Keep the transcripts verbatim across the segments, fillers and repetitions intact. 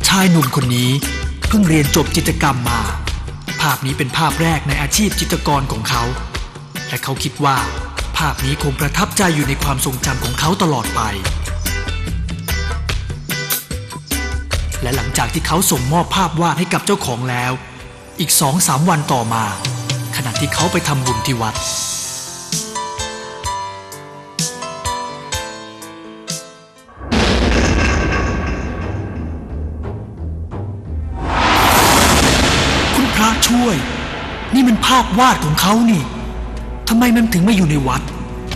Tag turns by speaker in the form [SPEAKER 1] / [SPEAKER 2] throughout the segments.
[SPEAKER 1] ชายหนุ่มคนนี้เพิ่งเรียนจบจิตรกรรมมาภาพนี้เป็นภาพแรกในอาชีพจิตรกรของเขาและเขาคิดว่าภาพนี้คงประทับใจอยู่ในความทรงจำของเขาตลอดไปและหลังจากที่เขาส่งมอบภาพวาดให้กับเจ้าของแล้วอีกสองสามวันต่อมาขณะที่เขาไปทำบุญที่วัดคุณพระช่วยนี่มันภาพวาดของเขานี่ทำไมมันถึงมาอยู่ในวัด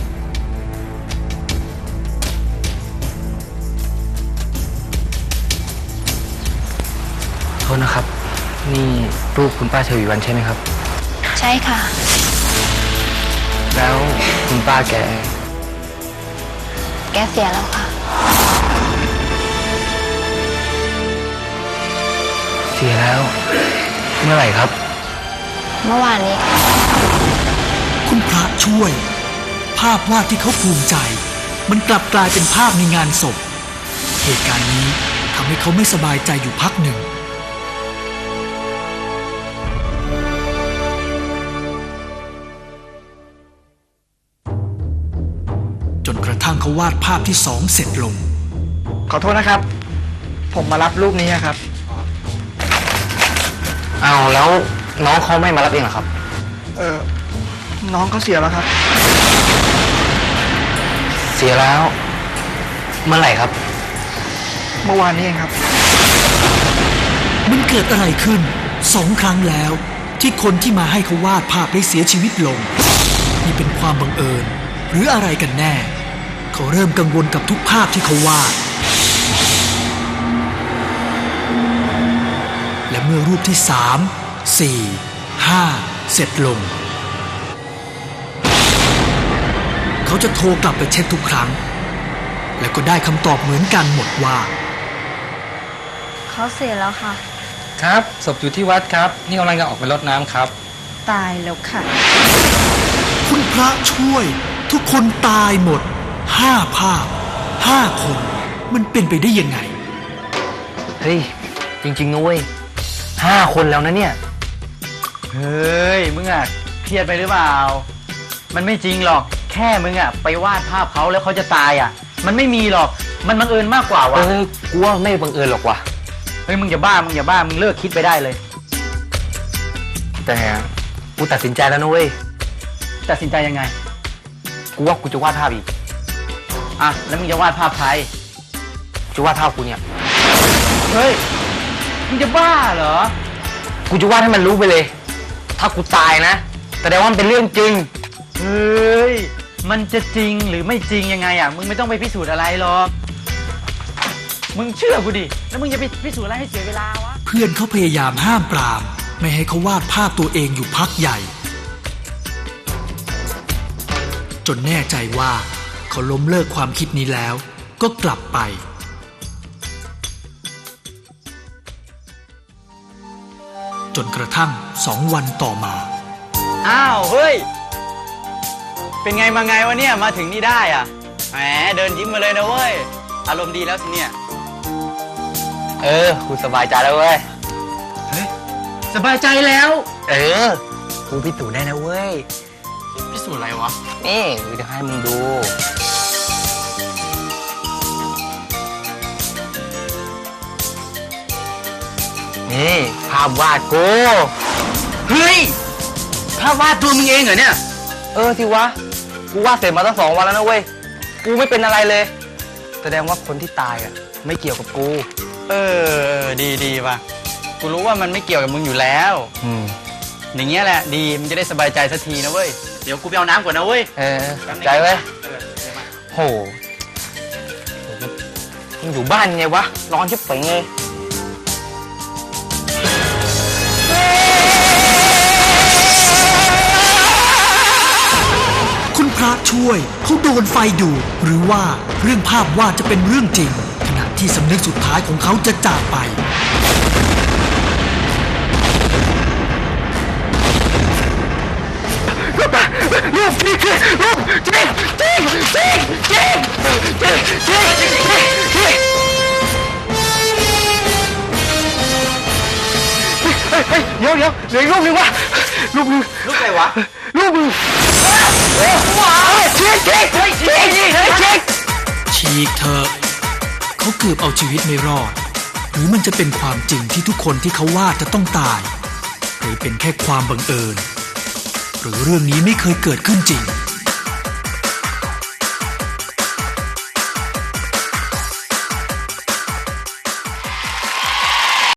[SPEAKER 2] โทษนะครับนี่รูปคุณป้าชวีวรรณใช่ไหมครับ
[SPEAKER 3] ใช่ค่ะ
[SPEAKER 2] แล้วคุณป้าแก
[SPEAKER 3] แกเสียแล้วค่ะ
[SPEAKER 2] เสียแล้วเมื่อไหร่ครับ
[SPEAKER 3] เมื่อวานนี้
[SPEAKER 1] คุณพระช่วยภาพวาดที่เขาภูมิใจมันกลับกลายเป็นภาพในงานศพเหตุการณ์นี้ทำให้เขาไม่สบายใจอยู่พักหนึ่งจนกระทั่งเขาวาดภาพที่สองเสร็จลง
[SPEAKER 4] ขอโทษนะครับผมมารับรูปนี้ครับ
[SPEAKER 2] อ้าวแล้วน้องเขาไม่มารับเองเหรอครับ
[SPEAKER 4] เออน้องเขาเสียแล้วครับ
[SPEAKER 2] เสียแล้วเมื่อไหร่ครับ
[SPEAKER 4] เมื่อวานนี้เองครับ
[SPEAKER 1] มันเกิดอะไรขึ้นสองครั้งแล้วที่คนที่มาให้เขาวาดภาพได้เสียชีวิตลงนี่เป็นความบังเอิญหรืออะไรกันแน่เขาเริ่มกังวลกับทุกภาพที่เขาวาดและเมื่อรูปที่สาม สี่ ห้าเสร็จลงเขาจะโทรกลับไปเช็คทุกครั้งและก็ได้คำตอบเหมือนกันหมดว่า
[SPEAKER 3] เขาเสียแล้วค่ะ
[SPEAKER 2] ครับศพอยู่ที่วัดครับนี่กำลังจะออกไปรดน้ำครับ
[SPEAKER 3] ตายแล้วค่ะ
[SPEAKER 1] คุณพระช่วยทุกคนตายหมดห้าภาพห้าคนมันเป็นไปได้ยังไง
[SPEAKER 2] เฮ้ยจริงๆนะเว้ยห้าคนแล้วนะเนี่ย
[SPEAKER 4] เฮ้ยมึงอ่ะเครียดไปหรือเปล่ามันไม่จริงหรอกแค่มึงอ่ะไปวาดภาพเขาแล้วเขาจะตายอ่ะมันไม่มีหรอกมันบังเอิญมากกว่าวะ
[SPEAKER 2] เออกูว่าไม่บังเอิญหรอกวะ
[SPEAKER 4] เฮ้ยมึงอย่าบ้ามึงอย่าบ้ามึงเลิกคิดไปได้เลย
[SPEAKER 2] แต่กูตัดสินใจแล้วนะเว้ย
[SPEAKER 4] ตัดสินใจยังไง
[SPEAKER 2] กูว่ากูจะวาดภาพอีก
[SPEAKER 4] อ่ะแล้วมึงจะวาดภาพใคร
[SPEAKER 2] จะวาดภาพกูเนี่ย
[SPEAKER 4] เฮ้ยมึงจะบ้าเหรอ
[SPEAKER 2] กูจะวาดให้มันรู้ไปเลยถ้ากูตายนะแสดงว่ามันเป็นเรื่องจริง
[SPEAKER 4] เฮ้ยมันจะจริงหรือไม่จริงยังไงอ่ะมึงไม่ต้องไปพิสูจน์อะไรหรอกมึงเชื่อกูดิแล้วมึงจะไปพิสูจน์อะไรให้เสียเวลาวะ
[SPEAKER 1] เพื่อนเขาพยายามห้ามปรามไม่ให้เขาวาดภาพตัวเองอยู่พักใหญ่จนแน่ใจว่าเขาล้มเลิกความคิดนี้แล้วก็กลับไปจนกระทั่งสองวันต่อมา
[SPEAKER 4] อ้าวเฮ้ยเป็นไงมาไงวะเนี่ยมาถึงนี่ได้อ่ะแหมเดินยิ้มมาเลยนะเว้ยอารมณ์ดีแล้วสิเนี่ย
[SPEAKER 2] เออกูสบายใจแล้วเว้ย
[SPEAKER 4] เฮ้ยสบายใจแล้ว
[SPEAKER 2] เออกูพิสูจน์ได้นะเว้ย
[SPEAKER 4] พิสูจน์อะไรวะ
[SPEAKER 2] นี่กูจะให้มึงดูนี่ภาพวาดกู
[SPEAKER 4] เฮ้ยภาพวาดตัวมึงเองเหรอเนี่ย
[SPEAKER 2] เออสิวะกูวาดเสร็จมาตั้งสองวันแล้วนะเว้ยกูไม่เป็นอะไรเลยแสดงว่าคนที่ตายอ่ะไม่เกี่ยวกับกู
[SPEAKER 4] เออดีดีป่ะกูรู้ว่ามันไม่เกี่ยวกับมึงอยู่แล้ว
[SPEAKER 2] อืม
[SPEAKER 4] อย่างเงี้ยแหละดีมันจะได้สบายใจสักทีนะเว้ยเดี๋ยวกูไปเอาน้ำก่อนนะเว้ย
[SPEAKER 2] เออใจเว้ยโหมึงอยู่บ้านไงวะร้อนชิบเป๋งเลย
[SPEAKER 1] คุณพระช่วยเขาโดนไฟดูดหรือว่าเรื่องภาพวาดจะเป็นเรื่องจริงขณะที่สำนึกสุดท้ายของเขาจะจากไปรูปจริงรูปจริงจริงจริงจริงจริงจริงจริง
[SPEAKER 2] เหลืออีกรูปหนึ่งวะรูปหนึ่ง
[SPEAKER 4] ลูกอะไรวะ
[SPEAKER 2] รูปหนึ่งว้าวชิคชิคชิคชิคชิค
[SPEAKER 1] ฉีกเถอะเขาเกือบเอาชีวิตไม่รอด หรือมันจะเป็นความจริงที่ทุกคนที่เขาวาดจะต้องตาย หรือเป็นแค่ความบังเอิญ หรือเรื่องนี้ไม่เคยเกิดขึ้นจริง